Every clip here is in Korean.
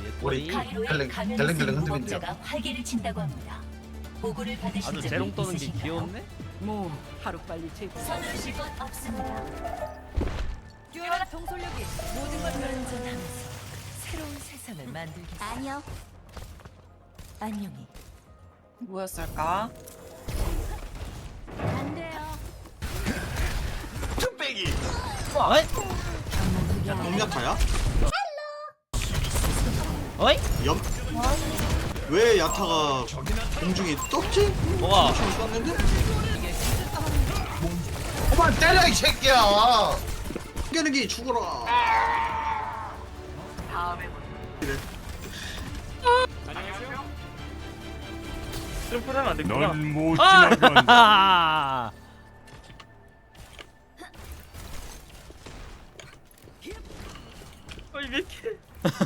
우리 가로에 가면을 델랭델랭 쓴 흔들린대요. 무법자가 활개를 친다고 합니다. 보고를 받으신 아주 적이 재롱 떠는 게 있으신가요? 귀엽네? 뭐 하루빨리 제거. 서두르실 것 없습니다. 뛰어난 통솔력이 모든 걸 불안전하면서 새로운 세상을 만들겠습니다. 아니요. 안녕히. 뭐였을까? 안 돼요. 뚝배기. 어이? 야 동야타야? 어이? 염. 왜 야타가 공중에 떴지? 뭐가? 공중에 떴는데? 그만 때려 이 새끼야. 깨르기 죽어라. 그래. 점프를 하면 안 됐구나. 넌못 지나간다. 아! 어, 이게 이렇게.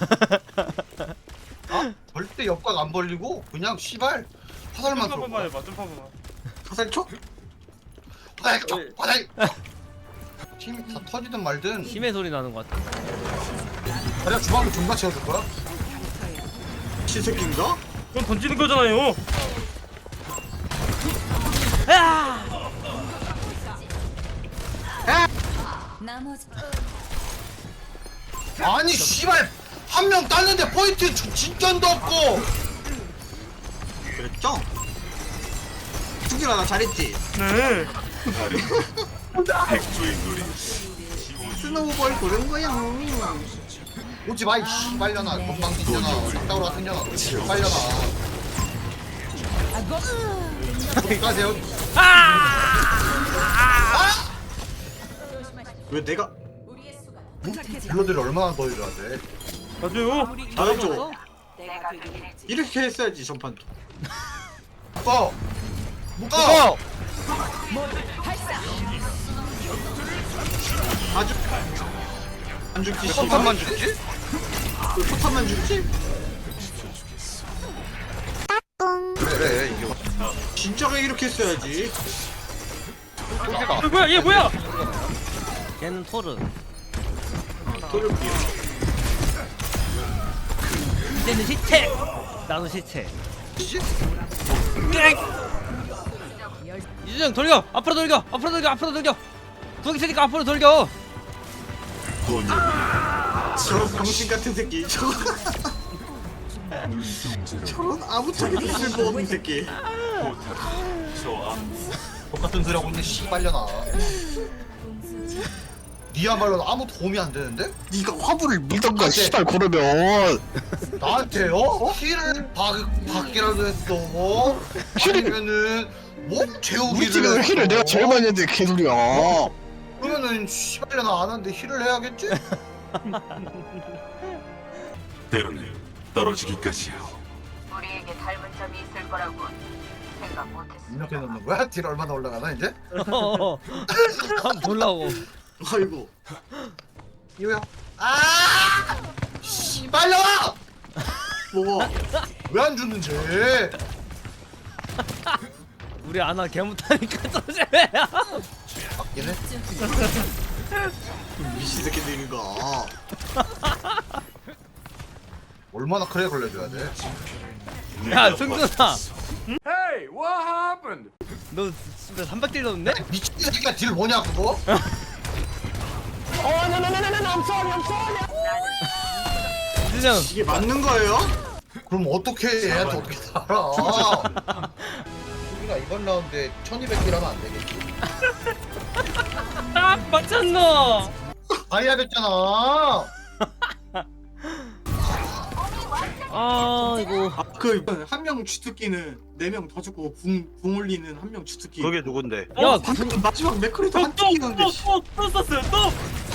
아? 절대 옆각 안 벌리고 그냥 씨발 화살만 점프 쏠 한번 거야. 해봐. 점프 한번. 화살 쳐? 화살 쳐. 화살. 팀이 다 터지든 말든 심해 소리 나는 것 같아. 자리가 주방을 존나 채워줄 거야? 시새끼인가? 그건 던지는 거잖아요. 나머지 아니 씨발 한 명 땄는데 포인트 진전도 없고. 그랬죠? 죽이라 나 잘했지? 네. 스노우볼 고른 거야. 오지 마, 이 씨발려나. 건방진년아. 싹다우로 같은 년아. 씨발려나. 어디 가세요? 왜 내가 딜러들이 얼마나 더 일해야 돼? 맞아요. 잘했죠? 내가 되긴 했지. 이렇게 했어야지 전판도. 묶어! 묶어! 아주 안 죽지. 포탄만 죽지? 포탄만 죽지? 그래 이게 진짜가 이렇게 했어야지. 뭐야? 얘 뭐야? 걔는 토르. 돌려볼게요. 이제는 시체. 나도 시체. 이지? 이준영 돌려. 앞으로 돌려. 앞으로 돌려. 앞으로 돌려. 거기 있으니까 앞으로 돌려. 저런 병신 같은 새끼. 저런 아무짝에도 쓸모없는 새끼. 똑같은 소리 하고 있는 씨발려나. 니야말로 아무 도움이 안 되는데? 네가 화물을 밀던가 안 돼. 씨발 그러면 나한테요? 힐을 받기라도 했어. 아니면은 뭐 우리 재우기를 팀에서 했어. 힐을 내가 제일 많이 했는데 개소리야. 그러면은 씨발려나 안 하는데 힐을 해야겠지? 때로는 떨어지기까지야. 우리에게 닮은 점이 있을 거라고 생각 못했어. 이렇게 넣는 거야? 딜 얼마나 올라가나 이제? 한번 보려고. 아이고 이거야. 아 씨발려나! 뭐가? 왜 안 죽는지? 우리 아나 개 못하니까 조심해야. 맞긴 해. 미친 새끼들인가. 얼마나 크게 걸려줘야 돼? 야 승준아. Hey, what happened? 너 진짜 300딜 넣었네? 미친 새끼가 딜 뭐냐 그거? 이준영. 이게 맞는 거예요? 그럼 어떻게 얘한테 어떻게 살아? 우리가 이번 라운드에 1200딜 하면 안 되겠지? 아, 맞췄노. 다이아 됐잖아. 아 이거. 그 한 명 주특기는 4명 더 죽고 궁 올리는 한 명 주특기. 그게 누군데? 야 방금 마지막 맥크리도 한 또 특기였는데 또 썼어요. 또.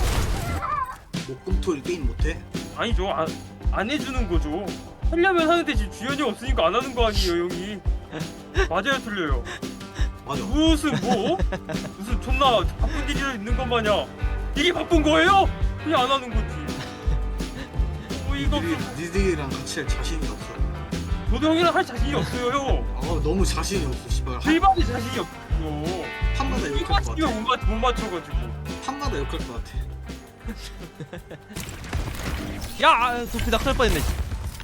목금토일 게임 못해? 아니죠. 안 해주는 거죠. 하려면 하는데 지금 주연이 없으니까 안 하는 거 아니에요, 형이. 맞아요, 틀려요. 맞아. 무슨 존나 바쁜 일이 있는 것 마냥 이게 바쁜 거예요? 그냥 안 하는 거지. 이거 니들이랑 같이 할 자신이 없어. 저도 형이랑 할 자신이 없어요, 형. 아 너무 자신이 없어 씨발. 일반이 자신이 없어. 판마다 욕할 것 이거 같아. 못 맞춰가지고. 판마다 욕할 것 같아. 야 도피 낙살 뻔했네.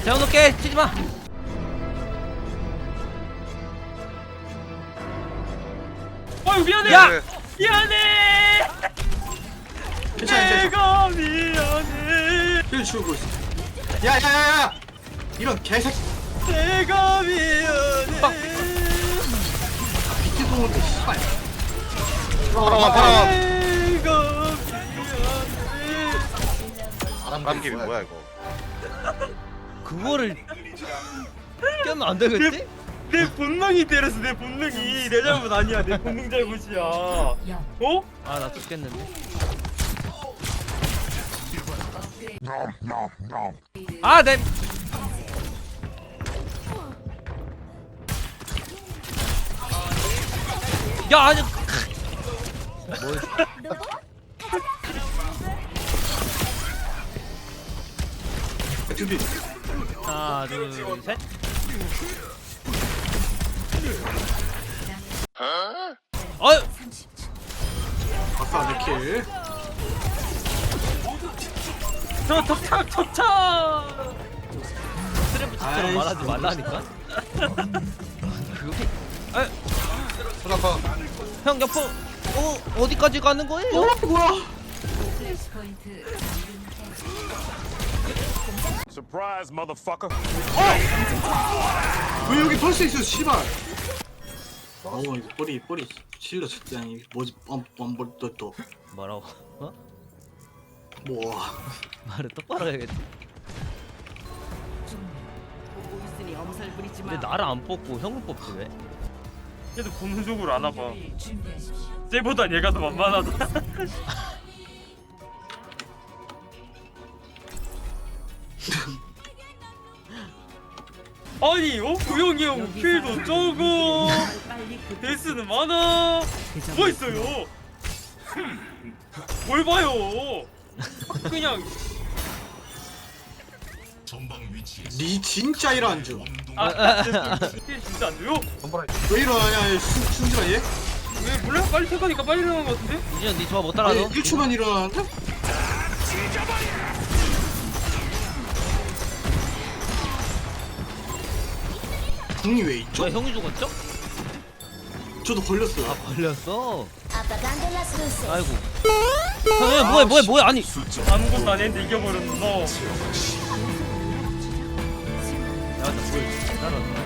재워놓게 치지마. 아유 미안해. 야! 미안해. 괜찮아 괜찮아. 내가 미안해. 힐 치우고 있어. 야야야야. 이런 개새끼. 내가 미안해. 비트 동을 때 씨발. 파라. 내가 미안해. 바람김이 뭐야 이거? 그거를 깨면 안 되겠지? 내 본능이 때렸어. 내 본능이. 내 잘못 아니야. 내 본능 잘못이야. 어? 아 나 죽겠는데. 아 내. 야 아니. 뭐? 준비. 하나 둘 셋. 어이. 30초. 아싸 내 킬. 저 덕착. 스트레프처럼 말하지 말라니까. 그게. 아, 잠깐. 형 옆으로. 어디까지 가는 거예요? 뭐야? 플래시 포인트. Surprise, motherfucker. 왜 여기 펄스 있어 씨발. 어우 이거 뿌리 실러 적당히 뭐지 뻔뻔뻔또 뭐라고? 어? 뭐. 말을 똑바로 해야겠지. 근데 나를 안 뽑고 형을 뽑지 왜? 얘도 본능적으로 안 와봐. 준비하십시오. 쟤보단 얘가 더 만만하다. 아니 구형이 형 킬도 적어. 데스는 많아. 뭐 있어요? 뭘 봐요? 그냥 니 진짜 일어난 줄. 킬 진짜 안 돼요? 왜 일어나냐 순진아 얘? 왜 몰라? 빨리 생각하니까 빨리 일어나는 것 같은데? 이제 니 조합 못 아니 따라서. 1초만 일어나는데? 궁이 왜 있죠? 왜 형이 죽었죠? 저도 걸렸어요. 아 걸렸어. Apagando las luces. 아이고. 형 뭐야 아니. 아무것도 안 했는데 이겨버렸어. 야나 뭘 따라.